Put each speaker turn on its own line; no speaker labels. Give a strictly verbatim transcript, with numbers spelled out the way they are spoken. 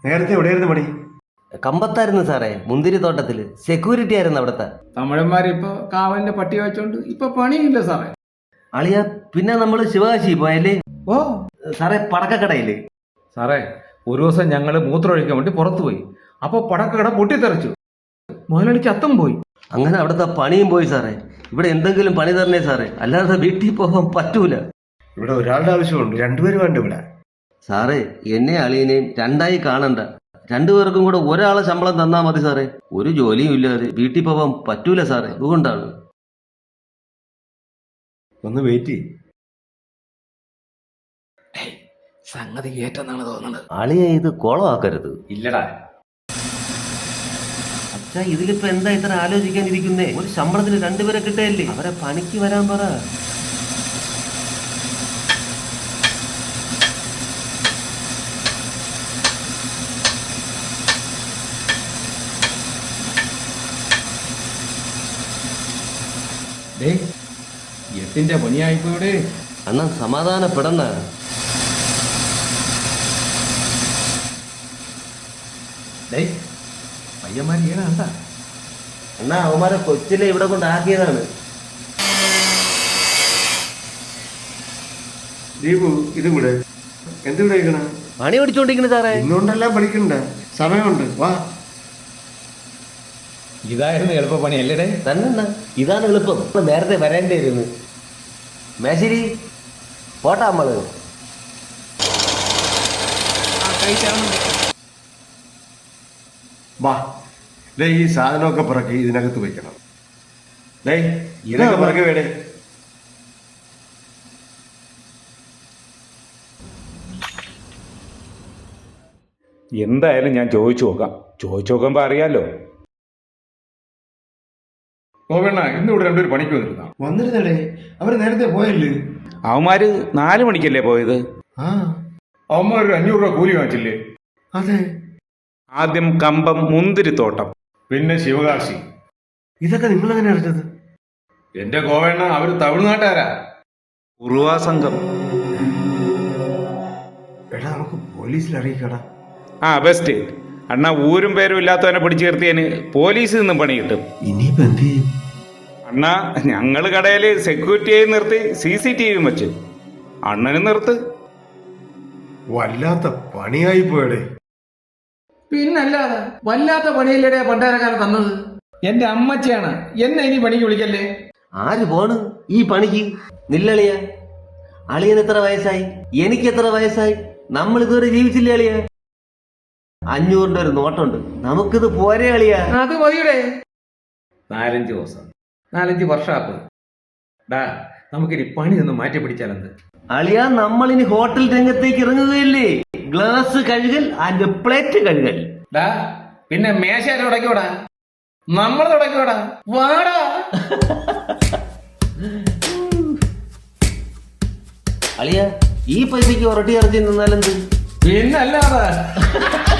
നേരത്തെ എവിടെയായിരുന്നു പണി?
കമ്പത്തായിരുന്നു സാറേ, മുന്തിരി തോട്ടത്തില് സെക്യൂരിറ്റി ആയിരുന്നു അവിടുത്തെ.
തമിഴന്മാരിപ്പോ കാവലിന്റെ പട്ടി വെച്ചോണ്ട് ഇപ്പൊ പണിയില്ല സാറേ.
അളിയ പിന്നെ നമ്മള് ശിവകാശി പോയല്ലേ?
ഓ
സാറേ പടക്കക്കടയില്.
സാറേ ഒരു ദിവസം ഞങ്ങള് മൂത്രമൊഴിക്കാൻ വേണ്ടി പുറത്തു പോയി. അപ്പൊ പടക്കക്കട പൊട്ടിത്തെറിച്ചു, മുതലാളിക്ക് അത്തം പോയി.
അങ്ങനെ അവിടുത്തെ പണിയും പോയി സാറേ. ഇവിടെ എന്തെങ്കിലും പണി തരണേ സാറേ, അല്ലാതെ വീട്ടിൽ പോകാൻ പറ്റൂല.
ഇവിടെ ഒരാളുടെ ആവശ്യമുണ്ട്, രണ്ടുപേരും വേണ്ട ഇവിടെ.
സാറേ എന്നെ അളിയനെയും രണ്ടായി കാണണ്ട, രണ്ടുപേർക്കും കൂടെ ഒരാളെ ശമ്പളം തന്നാ മതി സാറേ. ഒരു ജോലിയും ഇല്ലാതെ വീട്ടിൽ പോകാൻ പറ്റൂല സാറേ, അതുകൊണ്ടാണ്.
ഒന്ന് വെയിറ്റ് ചെയ്യും.
സംഗതി ഏറ്റെന്നാണ് തോന്നുന്നത്.
അളിയെ ഇത് കോളമാക്കരുത്.
ഇല്ലടാ
അച്ഛാ, ഇതിലിപ്പോ എന്താ ഇത്ര ആലോചിക്കാനിരിക്കുന്നേ? ഒരു ശമ്പളത്തിന് രണ്ടുപേരെ കിട്ടയല്ലേ, അവരെ പണിക്ക് വരാൻ പറ.
എട്ടിന്റെ പണിയായിപ്പോടെ.
അണ്ണാ സമാധാനപ്പെടണ.
പയ്യന്മാര് ചെയ്യണ കണ്ടാ?
അണ്ണാ അവന്മാരെ കൊച്ചിലെ ഇവിടെ കൊണ്ടാക്കിയതാണ്.
ദീപു ഇതും കൂടെ എന്തുകൂടെ കഴിക്കണ?
പണി പിടിച്ചോണ്ടിരിക്കുന്നു സാറേ.
ഇന്നുകൊണ്ടെല്ലാം പഠിക്കണ്ട, സമയമുണ്ട്, വാ.
ഇതായിരുന്നു എളുപ്പ പണി അല്ലേടേ?
തന്നെ ഇതാണ് എളുപ്പം, നേരത്തെ വരേണ്ടിയിരുന്നു. മേശിരി പോട്ടാ നമ്മള്.
വാ, ഡേ ഈ സാധനമൊക്കെ പിറക്കി ഇതിനകത്ത് വെക്കണം. ഡേ ഇതൊക്കെ പിറക്കി വേടേ.
എന്തായാലും ഞാൻ ചോദിച്ചു നോക്കാം. ചോദിച്ചു നോക്കുമ്പോൾ അറിയാലോ.
ഗോപണ്ണ ഇന്ന് ഇവിടെ രണ്ടുപേർ പണിക്ക് വന്നിരുന്ന.
വന്നിരുന്നടേ, അവര് നേരത്തെ പോയല്ലേ?
അവന്മാര് നാല് മണിക്കല്ലേ പോയത്?
ആ
അവന്മാർ ഒരു അഞ്ഞൂറ് രൂപ കൂലി വാങ്ങിച്ചില്ലേ?
അതെ.
ആദ്യം കമ്പം മുന്തിരിത്തോട്ടം,
പിന്നെ ശിവകാശി.
ഇതൊക്കെ നിങ്ങൾ എങ്ങനെ അറിഞ്ഞത്?
എന്റെ ഗോവണ്ണ അവര് തമിഴ്നാട്ടുകാരാ.
ഉറുവാ സംഘം.
എടാ നമുക്ക് പോലീസിൽ അറിയിക്കടാ.
ആ ബെസ്റ്റ്. അണ്ണാ ഊരും പേരും ഇല്ലാത്തവനെ പിടിച്ചു നിർത്തിയതിന് പോലീസിൽ നിന്നും പണി കിട്ടും.
ഇനിയിപ്പോ എന്ത് ചെയ്യും?
അണ്ണാ ഞങ്ങള് കടയില് സെക്യൂരിറ്റിയായി നിർത്തി സി സി ടി വിയും വെച്ച്. അണ്ണനും നിർത്ത്.
വല്ലാത്ത പണിയായി പോയടേ.
പിന്നല്ലാതെ വല്ലാത്ത പണിയല്ലേടെ പണ്ടാരക്കാലം തന്നത്. എന്റെ അമ്മച്ചിയാണ്, എന്നെ ഇനി പണിക്ക് വിളിക്കല്ലേ.
ആര് പോണ് ഈ പണിക്ക്? നില്ലളിയ. അളിയന് എത്ര വയസ്സായി? എനിക്ക് എത്ര വയസ്സായി? നമ്മൾ ഇതുവരെ ജീവിച്ചില്ലേ അളിയ? അഞ്ഞൂറിന്റെ ഒരു നോട്ടുണ്ട്, നമുക്കിത് പോരെ അളിയ?
അത് മതിയുടെ. നാലഞ്ച് ദിവസം നാലഞ്ച് വർഷാപ്പ് ഡാ, നമുക്കിനി പണി നിന്ന് മാറ്റി പിടിച്ചാലെന്ത്?
അളിയ നമ്മളിനി ഹോട്ടൽ രംഗത്തേക്ക് ഇറങ്ങുകയല്ലേ. ഗ്ലാസ് കഴുകൽ ആൻഡ് പ്ലേറ്റ് കഴുകൽ.
ഡാ പിന്നെ മേശ തുടക്കോടാ, നമ്മൾ തുടക്കോടാ, വാടാ.
അളിയ ഈ പൈസക്ക് ഉരട്ടി ഇറച്ചി നിന്നാലെന്ത്?
പിന്നല്ലാതെ